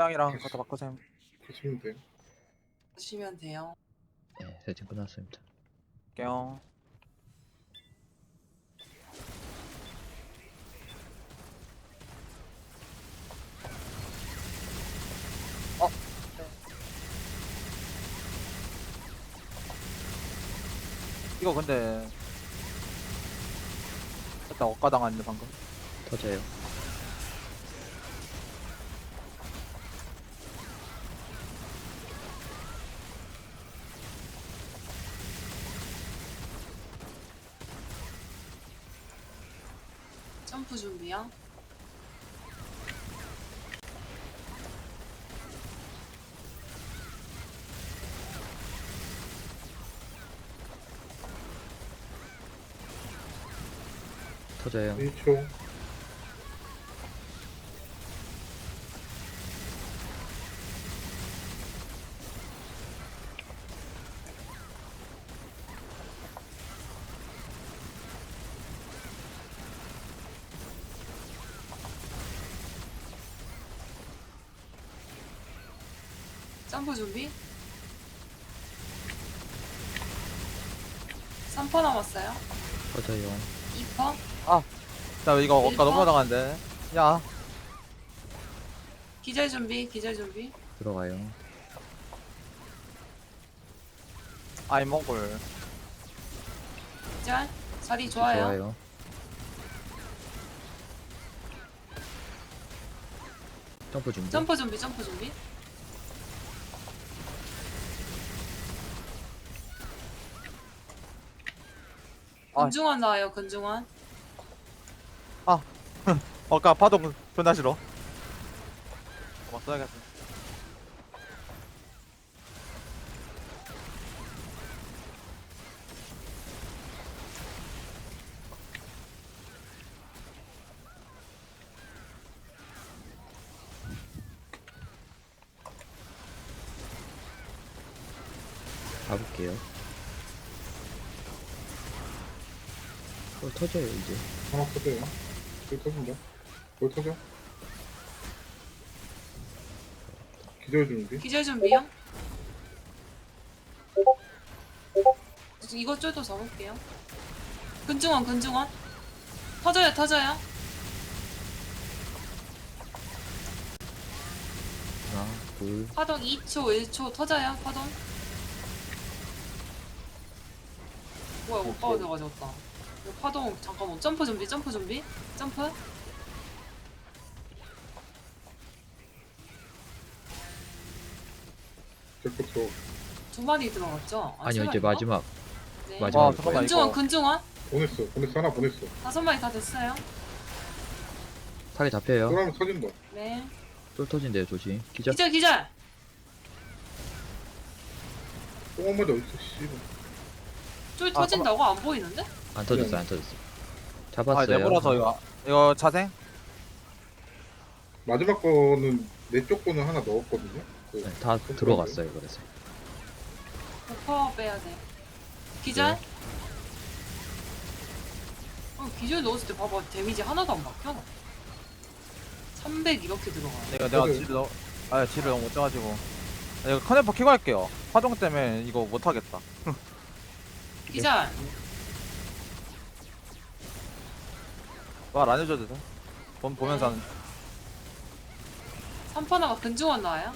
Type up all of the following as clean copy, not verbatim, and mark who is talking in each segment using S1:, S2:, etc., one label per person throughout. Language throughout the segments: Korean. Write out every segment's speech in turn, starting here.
S1: 땅이랑 갖다 바꾸세요.
S2: 보시면 돼요.
S3: 보시면 돼요.
S4: 네, 세팅 끝났습니다.
S1: 할게요. 이거 근데 일단 엇가당했네 방금.
S4: 터져요.
S3: 점프 준비요.
S4: 터져요.
S2: 1초.
S3: 점프 준비. 3퍼 남았어요.
S4: 터져요.
S3: 2퍼.
S1: 나 이거 엇가
S3: 일번.
S1: 넘어당한데. 야,
S3: 기절 준비. 기절 준비.
S4: 들어가요.
S1: 아이 먹을.
S3: 기절. 자리 좋아요.
S4: 좋아요. 점프 준비.
S3: 점프 준비. 점프 준비.
S1: 아.
S3: 근중환 나와요. 근중환.
S1: 엇가 파동 존나 싫어. 써야겠어.
S4: 가볼게요. 터져요 이제.
S2: 하나 터져요. 불 터진다. 불 터져. 기절 준비.
S3: 기절 준비요. 이거 쪼도 잡을게요. 근중환. 근중환. 터져요. 터져요.
S4: 하나, 둘,
S3: 파동 2초, 1초 터져요. 파동. 뭐야, 오빠가 돼가지고다. 이거 파동 잠깐만. 점프 준비. 점프 준비. 점프.
S2: 제거쳐.
S3: 두 마리 들어갔죠? 아,
S4: 아니요
S3: 세
S4: 이제
S3: 마리인가?
S4: 마지막.
S3: 네.
S4: 마지막.
S1: 와, 잠깐만.
S3: 근중환.
S1: 이거.
S3: 근중환.
S2: 보냈어. 하나 보냈어.
S3: 5마리 다 됐어요.
S4: 타겟 잡혀요.
S2: 쫄하면 터진다.
S3: 네.
S4: 쫄 터진대요 조심. 기절.
S3: 기절. 기절.
S2: 똥한 마리 어딨어, 씨발.
S3: 쫄 터진다고? 안 보이는데?
S4: 안 터졌어 안 터졌어.
S1: 아,
S4: 잡았어요.
S1: 내버려서 이거 자생.
S2: 마지막 거는 내 쪽 거는 하나 넣었거든요. 그
S4: 네, 다 들어갔어요 그래서.
S3: 버퍼 빼야 돼. 기절.
S4: 네.
S3: 기절 넣었을 때 봐봐. 데미지 하나도 안 바뀌어. 300 이렇게 들어가.
S1: 내가 질을 너무 못 짜가지고. 이거 커넥터 키고 할게요. 파동 때문에 이거 못 하겠다.
S3: 기절.
S1: 말 안 해줘도 돼. 보면서 하는.
S3: 3퍼 나가 근중환 나와요.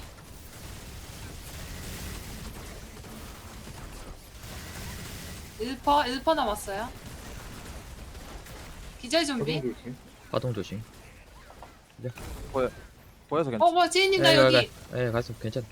S3: 일퍼 1퍼 남았어요. 기절 준비.
S2: 파동 조심.
S4: 파동 조심.
S1: 보여서 괜찮아.
S3: 뭐야 지인님 나
S4: 예,
S3: 여기.
S4: 예 가서 괜찮.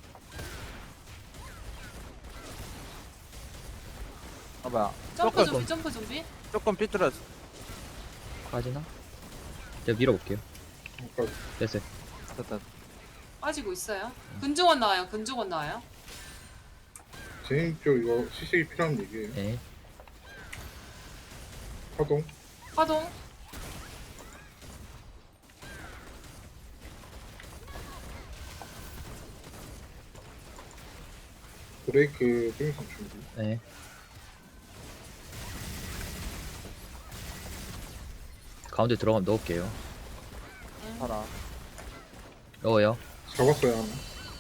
S1: 봐봐.
S3: 점프
S1: 조금
S3: 준비. 점프 준비.
S1: 조금 삐뚤어졌어.
S4: 빠지나? 제가 밀어볼게요.
S2: 여기까지.
S4: 됐어요.
S1: 됐다.
S3: 빠지고 있어요. 근중환 나와요. 근중환 나와요.
S2: 제인 쪽 이거 시식이 필요한 얘기예요.
S4: 네.
S2: 파동.
S3: 파동.
S2: 브레이크 땡선 준비.
S4: 네. 가운데 들어가면 넣을게요.
S1: 봐라.
S4: 넣어요.
S2: 잡았어요 하나.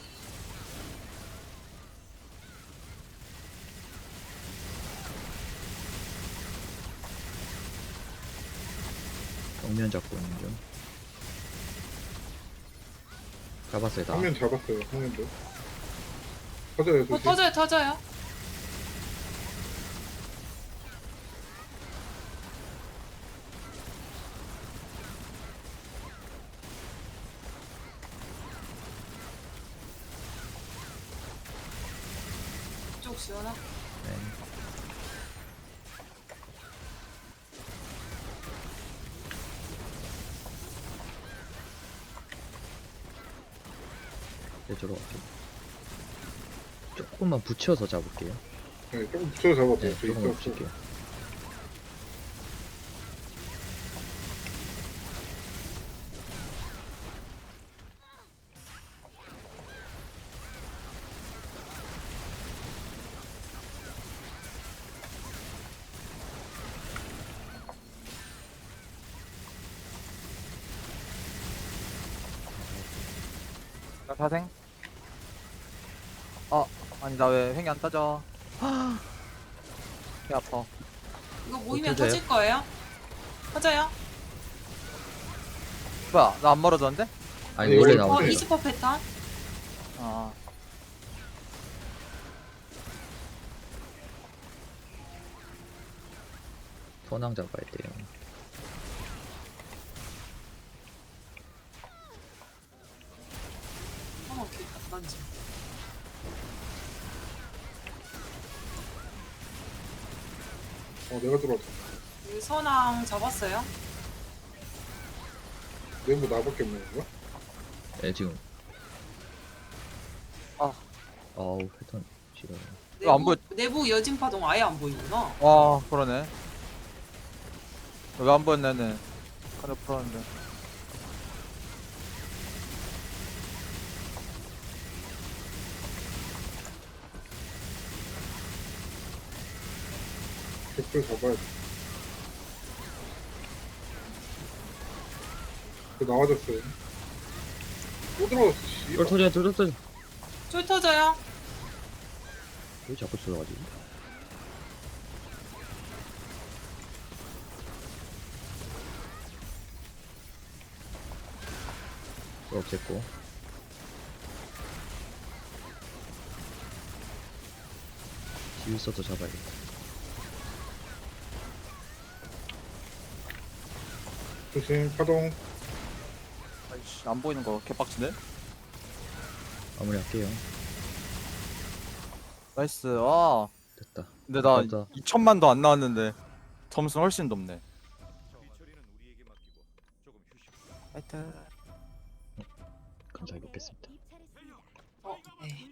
S4: 정면 잡고 있는 중. 잡았어요 다.
S2: 화면 잡았어요. 화면도. 터져요 조심.
S3: 터져요 터져요. 쪽 시원하.
S4: 네. 이쪽으로 갈게요. 조금만 붙여서 잡을게요.
S2: 네, 조금 붙여 잡아도
S4: 네,
S2: 돼.
S4: 조금만
S2: 있어.
S4: 붙일게요.
S1: 나 사생. 아니 나 왜 횡이 안 따져? 배 아파.
S3: 이거 모이면
S4: 터져요?
S3: 터질 거예요? 터져요?
S1: 뭐야 나 안 멀어졌는데?
S4: 아니
S2: 이거
S4: 원래
S2: 이거
S4: 나오죠.
S2: 네.
S3: 이스퍼 패턴?
S1: 아
S4: 선왕 잡아야 돼요.
S3: 오케이 난지.
S2: 내가 들어왔다.
S3: 여기 선왕 잡았어요?
S2: 내부 나밖에 없는 건가?
S4: 네 지금.
S1: 아.
S4: 아우 패턴 싫어요.
S1: 이거 안 보여.
S3: 내부 여진 파동 아예 안 보이구나.
S1: 와 그러네. 왜 안 보였냐는 카드 풀었는데.
S2: 격돌 잡아야 돼. 나와줬어요. 또 들어왔어. 씨.
S4: 쫄 터져 쫄 터져.
S3: 쫄 터져요?
S4: 왜 자꾸 들어가지? 쫄 없앴고. 지휘서도 잡아야겠다.
S2: 조심 파동.
S1: 아이씨 안 보이는 거 개빡치네.
S4: 마무리할게요.
S1: 나이스. 아
S4: 됐다.
S1: 근데 나
S4: 맞다.
S1: 2천만도 안 나왔는데 점수는 훨씬 높네. 하여튼
S4: 감사히 먹겠습니다.
S3: 네.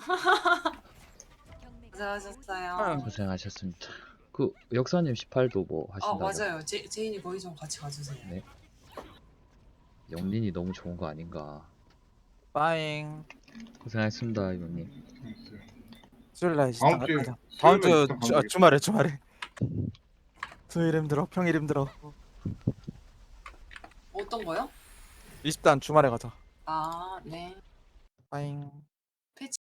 S3: 고생하셨어요.
S4: 고생하셨습니다. 그 역사님 18도 뭐 하신다고?
S3: 맞아요. 제인이 거기 좀 같이 가주세요.
S4: 네. 영린이 너무 좋은 거 아닌가.
S1: 빠잉.
S4: 고생하셨습니다 이모님.
S1: 수요일날
S2: 다음 주에
S1: 다음 주
S2: 수요일날 있다, 다음 주에.
S1: 주말에 수요일 힘들어 평일 힘들어.
S3: 어떤 거요?
S1: 20단 주말에 가자.
S3: 네.
S1: 빠잉.